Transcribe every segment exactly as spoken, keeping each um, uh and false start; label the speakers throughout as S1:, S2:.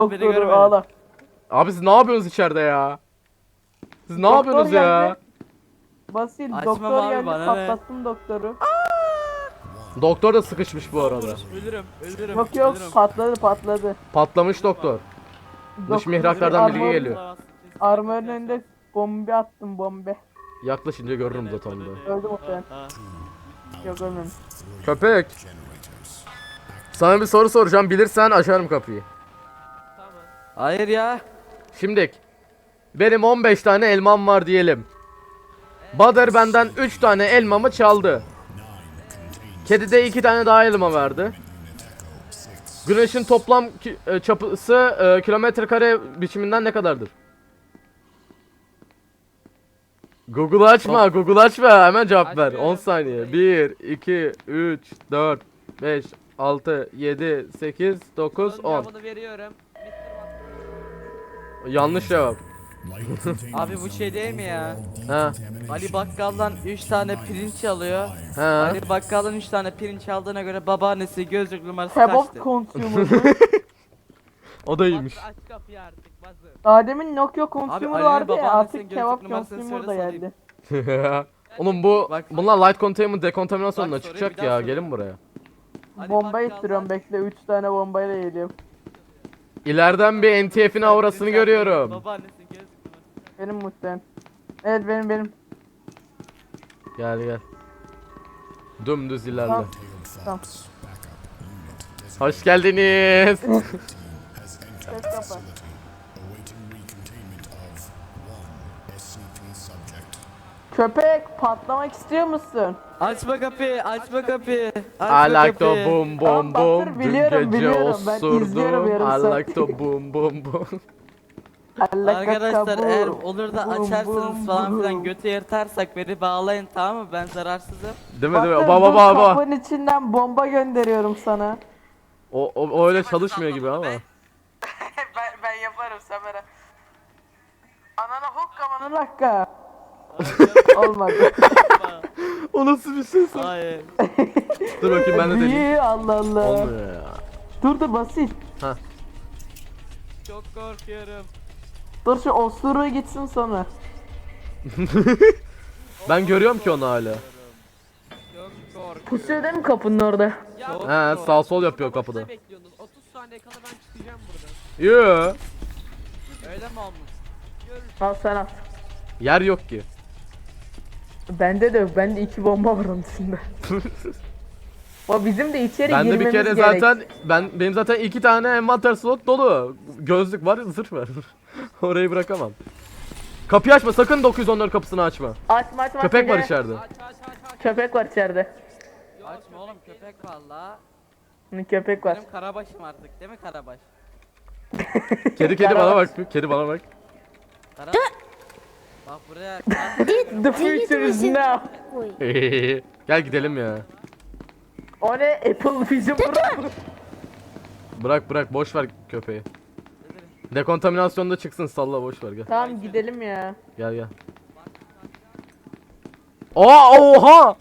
S1: Doktoru ağla.
S2: Abi siz ne yapıyorsunuz içeride ya? Siz ne
S1: Doktor
S2: yapıyorsunuz ya?
S1: geldi. Basil
S3: Açmam
S1: doktor
S3: abi,
S1: geldi
S3: bana ne?
S1: patlattım doktoru.
S2: Doktor da sıkışmış bu arada.
S3: Ölürüm, ölürüm.
S1: Yok yok
S3: ölürüm.
S1: patladı patladı.
S2: Patlamış doktor. Dış
S1: Doktor-
S2: mihraklardan bilgi
S1: armor-
S2: geliyor.
S1: Armorun önünde bombe attım bombe.
S2: Yaklaşınca görürüm zaten onu da.
S1: Öldü muhtemelen. Yok ölmemiş.
S2: Köpek. Sana bir soru soracağım. Bilirsen açarım kapıyı.
S3: Hayır ya.
S2: Şimdi benim on beş tane elmam var diyelim. Badır benden üç tane elmamı çaldı. Kedi de iki tane daha elma verdi. Güneşin toplam ki- e, çapısı e, kilometre kare biçiminden ne kadardır? Google açma, Google açma. Hemen cevap ver.
S3: Açmıyorum.
S2: on saniye. bir, iki, üç, dört, beş, altı, yedi, sekiz, dokuz, on.
S3: Cevabını veriyorum.
S2: Yanlış cevap.
S3: Abi bu şey değil mi ya?
S2: Ha.
S3: Ali Bakkal'dan üç tane pirinç alıyor.
S2: Ha.
S3: Ali Bakkal'dan üç tane pirinç aldığına göre babaannesi gözlük numarası
S1: Kebap
S3: kaçtı?
S1: consumer.
S2: O da iyiymiş.
S3: Aç kapıyı artık bazı.
S1: Ademin Nokia consumer
S3: Ali'nin
S1: vardı ya
S3: babaannesinin
S1: artık
S3: gözlük
S1: kebap
S3: numarasını
S1: consumer da
S3: söyle
S1: geldi.
S2: Oğlum bu
S3: Bak-
S2: bunlar light containment dekontaminasyonla
S3: Bak, soruyu
S2: çıkacak
S3: bir daha
S2: ya.
S3: sor.
S2: Gelin buraya.
S3: Ali
S1: Bomba
S3: Bakkal'dan-
S1: ittiriyorum bekle üç tane bombayla geliyorum.
S2: İleriden bir N T F'in aurasını
S3: Pirinç
S2: görüyorum.
S3: aldı, babaannesinin gözlük numarası.
S1: Benim muhtemelen. Evet benim benim.
S2: Gel gel. Dümdüz ilerle.
S1: Tamam. Tamam.
S2: Hoş geldiniz.
S1: Ses kapa. Köpek patlamak istiyor musun?
S3: Açma kapıyı, açma kapıyı.
S2: I
S3: Açma
S2: like to
S3: kapıyı.
S2: boom boom
S1: Tamam,
S2: boom.
S1: Batır,
S2: Dün
S1: biliyorum,
S2: gece
S1: biliyorum. Ben izliyorum
S2: osurdum.
S1: yarım
S2: I
S1: saat.
S2: like to boom boom boom.
S3: Arkadaşlar eğer
S1: Alakakabu.
S3: olur da
S1: Bum,
S3: açarsanız
S1: bum,
S3: falan filan
S1: bum.
S3: götü yırtarsak beni bağlayın, tamam mı? Ben zararsızım.
S2: Değil mi değil mi?
S1: Batır,
S2: Baba
S1: dur,
S2: baba baba.
S1: kapının içinden bomba gönderiyorum sana.
S2: O, o, o öyle çalışmıyor gibi ama.
S1: ben, ben yaparım Samara. Anana hokka bana dakika. Olmadı.
S2: O nasıl bir ses?
S3: Hayır.
S2: Dur bakayım ben de deneyeyim.
S1: İyi Allah Allah.
S2: Olmuyor ya.
S1: Dur dur basit.
S3: Çok korkuyorum.
S1: Dur şu osuruğu gitsin sonra.
S2: Ben görüyorum ki onu hala.
S3: Çok korkuyorum.
S1: Pusuyor değil mi kapının orada?
S3: Çok
S2: He sağ sol yapıyor kapıda.
S3: Ne bekliyordunuz? otuz saniye kala ben çıkacağım buradan.
S2: Yoo.
S3: Öyle mi olmuş?
S1: Al sen al.
S2: Yer yok ki.
S1: Bende de yok. Bende iki bomba var onun dışında. O bizim de içeri
S2: Ben de
S1: girmemiz
S2: bir kere
S1: gerek.
S2: zaten ben benim zaten iki tane envanter slot dolu. Gözlük var, zırh var. Orayı bırakamam. Kapıyı açma, sakın dokuz yüz on dört kapısını açma.
S1: Açma açma.
S2: Köpek
S1: açma,
S2: var
S1: gel.
S2: içeride.
S3: Aç aç aç aç.
S1: Köpek var içeride.
S3: Açma oğlum, köpek valla.
S1: Hı, Köpek var.
S3: Benim karabaşım artık değil mi karabaş?
S2: Kedi kedi bana bak. Kedi bana bak.
S3: Kara... Bak buraya.
S1: The future is now.
S2: Gel gidelim ya.
S1: O ne? Apple Vision Pro.
S2: Bırak bırak boş ver köpeği. Dekontaminasyonda çıksın, salla boş ver gel.
S1: Tamam gidelim ya.
S2: Gel gel. Aa oha!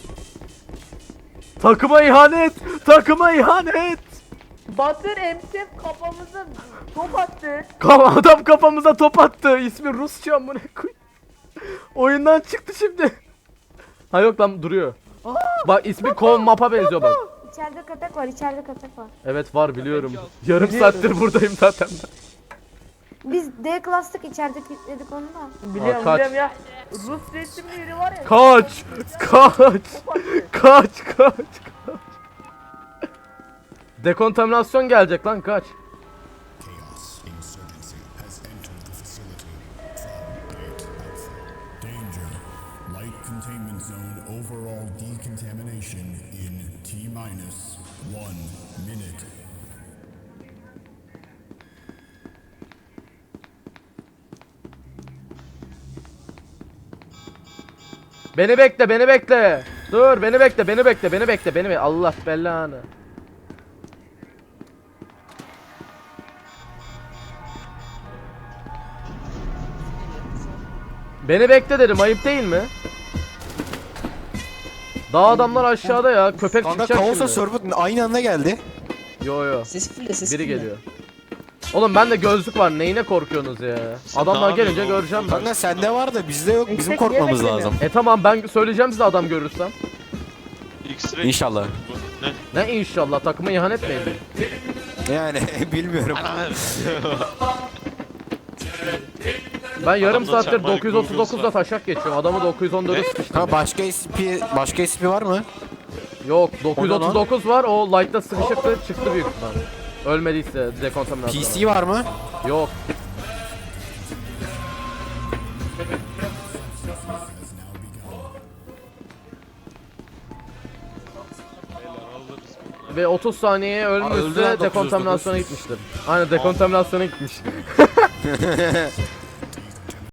S2: Takıma ihanet! Takıma ihanet!
S1: Batır M C kafamıza top attı.
S2: Ka- Adam kafamıza top attı. İsmi Rusça amına koy. Oyundan çıktı şimdi. Ha yok lan duruyor. Bak ismi Kov Map'a benziyor bak.
S4: İçeride köpek var, içeride köpek var.
S2: Evet var biliyorum. Yarım saattir buradayım zaten ben.
S4: Biz D klastık, içeride kilitledik onu da.
S1: Biliyorum
S2: kaç.
S1: biliyorum ya. Rus resimli biri var ya.
S2: Kaç! Kaç! Kaç kaç kaç! Dekontaminasyon gelecek lan kaç.
S5: Chaos insurgency has entered the facility from Gate Alpha. Danger. Light containment zone overall decontamination in T minus one minute.
S2: Beni bekle, beni bekle. Dur, beni bekle, beni bekle, beni bekle, beni bekle. Allah belanı. Beni bekle dedim, ayıp değil mi? Daha adamlar aşağıda ya. Köpek
S6: Kanka
S2: çıkacak
S6: kaosa
S2: şimdi.
S6: server aynı anda geldi.
S2: Yo yo.
S7: Sesi fulle sesi
S2: Biri
S7: fulle.
S2: geliyor. Oğlum bende gözlük var. Neyine korkuyorsunuz ya? Adamlar
S6: ne
S2: gelince
S6: yapıyorsun
S2: göreceğim ben.
S7: Kanka sende var da bizde yok. Bizim
S1: Yüksek
S7: korkmamız
S1: yemek
S7: lazım.
S2: E tamam ben söyleyeceğim size adam görürsem.
S6: X-ray.
S7: İnşallah.
S6: Bu ne?
S2: Ne inşallah takıma ihanet mi edeyim?
S7: Yani bilmiyorum.
S2: Ben yarım
S6: Adamda
S2: saattir
S6: termal
S2: dokuz yüz otuz dokuzda
S6: Google'sa.
S2: taşak geçiyorum. Adamı dokuz yüz on dörde
S6: Ne?
S2: sıkıştırdım.
S7: Ha başka S P başka S P var mı?
S2: Yok dokuz yüz otuz dokuz var. O light'ta sıkışıktı çıktı büyük ihtimal. Ölmediyse dekontaminasyon.
S7: P C var mı?
S2: Yok. Ve otuz saniyeye
S7: öldü lan
S2: ölmüşse
S7: dokuz yüz
S2: dekontaminasyona gitmiştir. Aynen dekontaminasyona gitmiş.